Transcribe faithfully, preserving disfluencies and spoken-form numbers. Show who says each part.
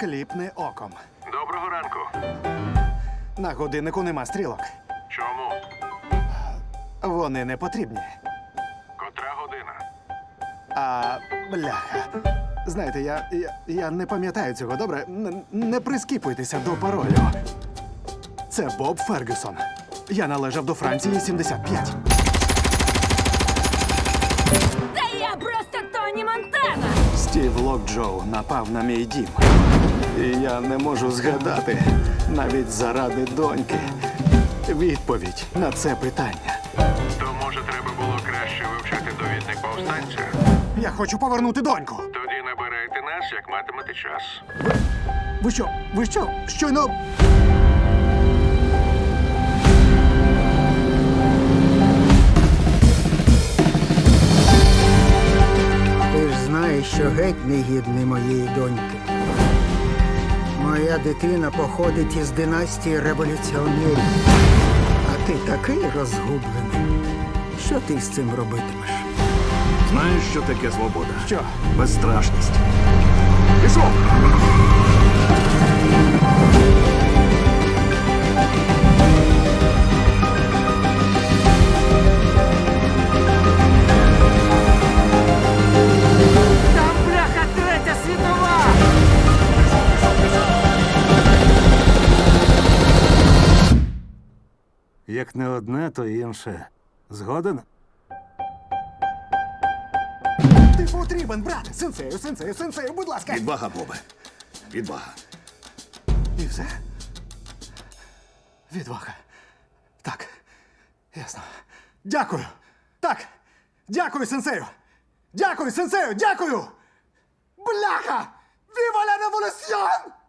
Speaker 1: Кліпни оком.
Speaker 2: Доброго ранку.
Speaker 1: На годиннику нема стрілок.
Speaker 2: Чому?
Speaker 1: Вони не потрібні.
Speaker 2: Котра година?
Speaker 1: А, бляха. Знаєте, я, я, я не пам'ятаю цього, добре? Н- не прискіпуйтеся до паролю. Це Боб Фергюсон. Я належав до Франції сімдесят п'ять.
Speaker 3: Та я просто Тоні Монтана!
Speaker 1: Стів Локджоу напав на мій дім. І я не можу згадати, навіть заради доньки, відповідь на це питання.
Speaker 2: То, може, треба було краще вивчати довідник повстанця?
Speaker 1: Я хочу повернути доньку.
Speaker 2: Тоді набирайте нас, як матимете час.
Speaker 1: Ви що? Ви що? Щойно...
Speaker 4: Ти ж знаєш, що геть не гідний моєї доньки. Моя дитина походить із династії революціонерів. А ти такий розгублений. Що ти з цим робитимеш?
Speaker 5: Знаєш, що таке свобода?
Speaker 1: Що?
Speaker 5: Безстрашність. Пішов!
Speaker 3: Там бляха третя світова!
Speaker 5: Як не одне, то інше. Згоден?
Speaker 1: Ти потрібен, брат! Сенсею, сенсею, сенсею, будь ласка!
Speaker 5: Відвага, Бобе. Відвага.
Speaker 1: І все? Відвага. Так. Ясно. Дякую. Так. Дякую, сенсею. Дякую, сенсею, дякую! Бляха! Віва ла революціон!